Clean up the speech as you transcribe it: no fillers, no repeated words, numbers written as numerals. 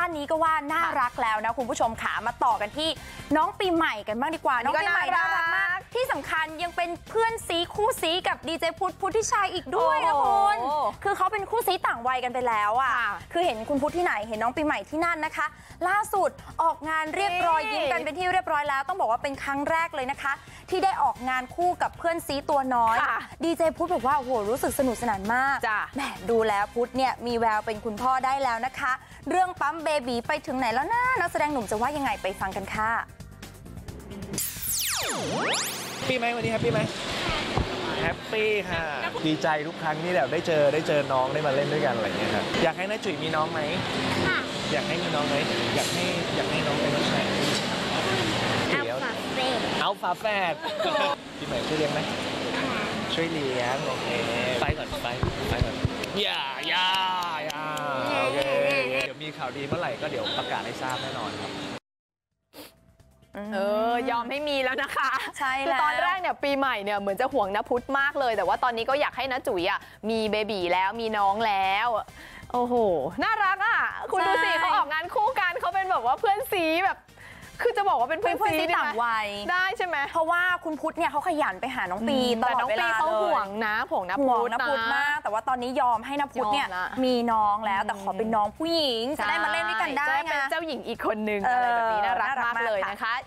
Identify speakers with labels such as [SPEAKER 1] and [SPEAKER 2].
[SPEAKER 1] นี้ก็ว่าน่ารักแล้วนะคุณผู้ชมขามาต่อกันที่น้องปีใหม่กันบ้างดีกว่าน้องปีใหม่น่ารักมากที่สำคัญยังเป็นเพื่อนซีคู่ซีกับดีเจพุทธิชัยอีกด้วยนะคุณคือเขาเป็นคู่ซีต่างวัยกันไปแล้วอ่ะคือเห็นคุณพุทธที่ไหนเห็นน้องปีใหม่ที่นั่นนะคะล่าสุดออกงานเรียกรอยยิ้มกันเป็นที่เรียบร้อยแล้วต้องบอกว่าเป็นครั้งแรกเลยนะคะที่ได้ออกงานคู่กับเพื่อนซีตัวน้อยดีเจพุทธบอกว่าโอ้โหรู้สึกสนุกสนานมากแหมดูแล้วพุทธเนี่ยมีแววเป็นคุณพ่อได้แล้วนะคะเรื่องปั๊มเบบีไปถึงไหนแล้วนะนักแสดงหนุ่มจะว่ายังไงไปฟังกันค่ะ
[SPEAKER 2] ปีไหมวันนี้แฮปปี้ไหมแฮปปี้ค่ะดีใจทุกครั้งที่แบบได้เจอน้องได้มาเล่นด้วยกันอะไรอย่างเงี้ยครับอยากให้น้าจุ๋ยมีน้องไหมค่ะอยากให้มีน้องไหมอยากให้น้องเป็นผู้ชายเอาฝาแฝดปีใหม่ช่วยเลี้ยงไหมช่วยเลี้ยงโอเคไปก่อนอย่าโอเคเดี๋ยวมีข่าวดีเมื่อไหร่ก็เดี๋ยวประกาศให้ทราบแน่นอนครับ
[SPEAKER 3] ยอมให้มีแล้วนะคะ
[SPEAKER 1] ใช่
[SPEAKER 3] คือตอนแรกเนี่ยปีใหม่เนี่ยเหมือนจะห่วงณพุทธมากเลยแต่ว่าตอนนี้ก็อยากให้ณจุ๋ยมีเบบีแล้วมีน้องแล้วโอ้โหน่ารักคุณดูสิเขาออกงานคู่กันเขาเป็นแบบว่าเพื่อนซีแบบคือจะบอกว่าเป็นเพื่อนซี
[SPEAKER 1] ต่างวัย
[SPEAKER 3] ได้ใช่ไหม
[SPEAKER 1] เพราะว่าคุณพุทธเนี่ยเขาขยันไปหาน้องปีตลอดเวลา
[SPEAKER 3] เขาห่วงนะผงณพุทธ
[SPEAKER 1] มากแต่ว่าตอนนี้ยอมให้ณพุทธเนี่ยมีน้องแล้วแต่ขอเป็นน้องผู้หญิงจะได้มาเล่นด้วยกันได้
[SPEAKER 3] เป็นเจ้าหญิงอีกคนนึงอะไรแบบนี้น่ารักมากเลยนะคะ